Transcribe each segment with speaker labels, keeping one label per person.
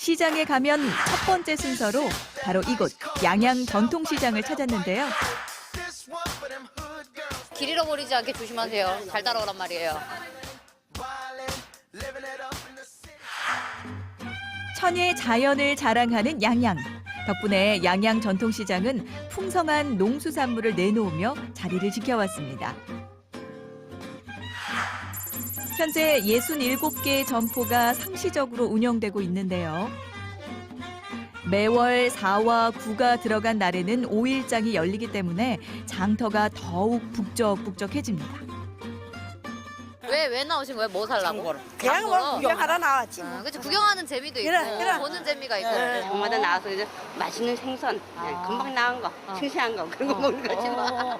Speaker 1: 시장에 가면 첫 번째 순서로 바로 이곳 양양 전통시장을 찾았는데요.
Speaker 2: 길 잃어버리지 않게 조심하세요. 잘 따라오란 말이에요.
Speaker 1: 천혜의 자연을 자랑하는 양양. 덕분에 양양 전통시장은 풍성한 농수산물을 내놓으며 자리를 지켜왔습니다. 현재 67개의 점포가 상시적으로 운영되고 있는데요. 매월 4와 9가 들어간 날에는 5일장이 열리기 때문에 장터가 더욱 북적북적해집니다.
Speaker 2: 왜 나오신 거예요? 뭐 살라고?
Speaker 3: 그냥 뭐 구경하러 나왔지.
Speaker 2: 그치, 구경하는 재미도 있고,
Speaker 3: 그래.
Speaker 2: 보는 재미가 있고.
Speaker 4: 장마다 나와서 이제 맛있는 생선, 금방 나온 거, 싱싱한 거 그런 거 먹는 거지 뭐.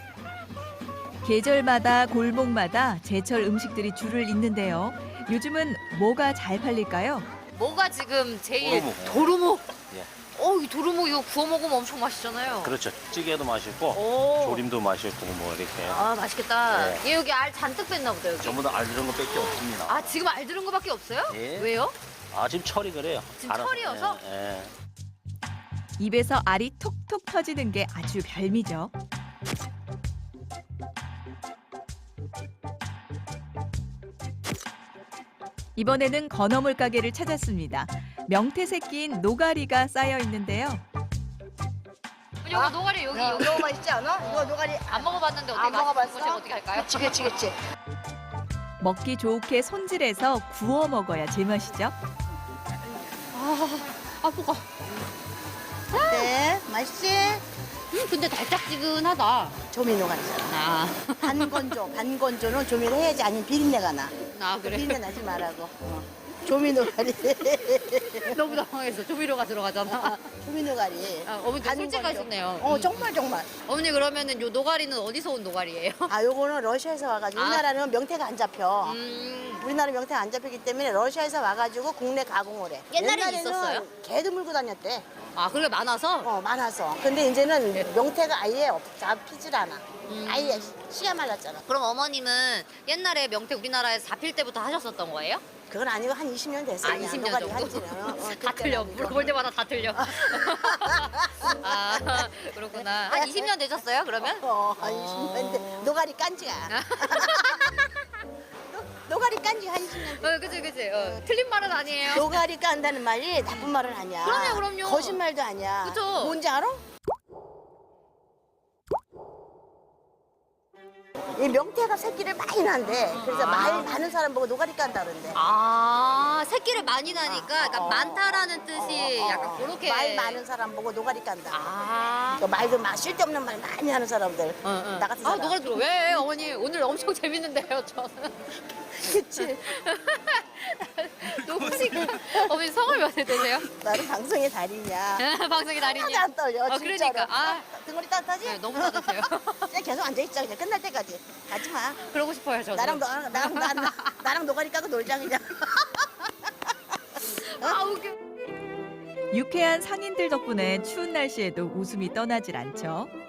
Speaker 1: 계절마다 골목마다 제철 음식들이 줄을 잇는데요. 요즘은 뭐가 잘 팔릴까요?
Speaker 2: 뭐가 지금 제일
Speaker 5: 도루묵. 예.
Speaker 2: 이 도루묵 이거 구워 먹으면 엄청 맛있잖아요.
Speaker 5: 그렇죠. 찌개도 맛있고
Speaker 2: 오.
Speaker 5: 조림도 맛있고 뭐 이렇게
Speaker 2: 아, 맛있겠다.
Speaker 5: 네.
Speaker 2: 얘 여기 알 잔뜩 뺐나 보다, 여기.
Speaker 5: 전부 다 알들은 것밖에 없습니다.
Speaker 2: 아, 지금 알 들은 거밖에 없어요?
Speaker 5: 예.
Speaker 2: 왜요?
Speaker 5: 지금 철이 그래요.
Speaker 2: 지금 철이어서?
Speaker 5: 예.
Speaker 1: 입에서 알이 톡톡 터지는 게 아주 별미죠. 이번에는 건어물 가게를 찾았습니다. 명태 새끼인 노가리가 쌓여 있는데요.
Speaker 2: 이거 노가리 여기
Speaker 3: 너무 맛있지 않아? 이거 노가리
Speaker 2: 안 먹어봤는데 어떻게
Speaker 3: 안 먹어봤어?
Speaker 2: 맛있는 어떻게 할까요?
Speaker 3: 그치.
Speaker 1: 먹기 좋게 손질해서 구워 먹어야 제맛이죠.
Speaker 2: 아프고.
Speaker 3: 네, 맛있지?
Speaker 2: 근데 달짝지근하다.
Speaker 3: 조미 노가리잖아.
Speaker 2: 아,
Speaker 3: 반건조는 조미를 해야지 아니면 비린내가 나.
Speaker 2: 그래.
Speaker 3: 비린내 나지 말라고. 조미 노가리.
Speaker 2: 너무 당황했어. 조미료가 들어가잖아.
Speaker 3: 조미 노가리.
Speaker 2: 어머니
Speaker 3: 반건조.
Speaker 2: 솔직하시네요.
Speaker 3: 정말.
Speaker 2: 어머니 그러면은 요 노가리는 어디서 온 노가리예요?
Speaker 3: 요거는 러시아에서 와가지고 우리나라는 명태가 안 잡혀. 우리나라 명태가 안 잡히기 때문에 러시아에서 와가지고 국내 가공을 해.
Speaker 2: 옛날엔
Speaker 3: 옛날에는
Speaker 2: 있었어요?
Speaker 3: 개도 물고 다녔대.
Speaker 2: 그게 많아서?
Speaker 3: 많아서. 근데 이제는 명태가 아예 잡히질 않아. 아예 씨가 말랐잖아.
Speaker 2: 그럼 어머님은 옛날에 명태 우리나라에서 잡힐 때부터 하셨었던 거예요?
Speaker 3: 그건 아니고 한 20년 됐어요. 그냥
Speaker 2: 20년
Speaker 3: 노가리
Speaker 2: 정도?
Speaker 3: 한지는.
Speaker 2: 다 틀려. 물어볼 때마다 다 틀려. 그렇구나. 한 20년 되셨어요, 그러면?
Speaker 3: 한 20년 돼. 노가리 깐지가. 노가리 깐지 한 20년 돼.
Speaker 2: 그치. 틀린 말은 아니에요.
Speaker 3: 노가리 깐다는 말이 나쁜 말은 아니야.
Speaker 2: 그럼요.
Speaker 3: 거짓말도 아니야.
Speaker 2: 그쵸.
Speaker 3: 뭔지 알아? 이 명태가 새끼를 많이 난대. 그래서 말 많은 사람 보고 노가리 깐다 그런대.
Speaker 2: 새끼를 많이 나니까 그러니까 많다라는 뜻이 약간 그렇게.
Speaker 3: 말 많은 사람 보고 노가리 깐다.
Speaker 2: 아.
Speaker 3: 말도 쓸데없는 말 많이 하는 사람들. 나 같은 사람.
Speaker 2: 노가리 들어. 왜, 어머니? 오늘 엄청 재밌는데요, 저는.
Speaker 3: 그치.
Speaker 2: 누구시까? 어머니 성을 몇 세 되세요?
Speaker 3: 나는 방송의 달인이야.
Speaker 2: 방송이
Speaker 3: 하나도
Speaker 2: 달인이요.
Speaker 3: 안 떨려. 진짜로.
Speaker 2: 그러니까.
Speaker 3: 등골이 따뜻하지?
Speaker 2: 네, 너무 따뜻해요.
Speaker 3: 그냥 계속 앉아있자. 그냥 끝날 때까지. 가지 마.
Speaker 2: 그러고 싶어요, 저도.
Speaker 3: 나랑 노가리 까고 놀자 그냥.
Speaker 2: 웃겨.
Speaker 1: 유쾌한 상인들 덕분에 추운 날씨에도 웃음이 떠나질 않죠.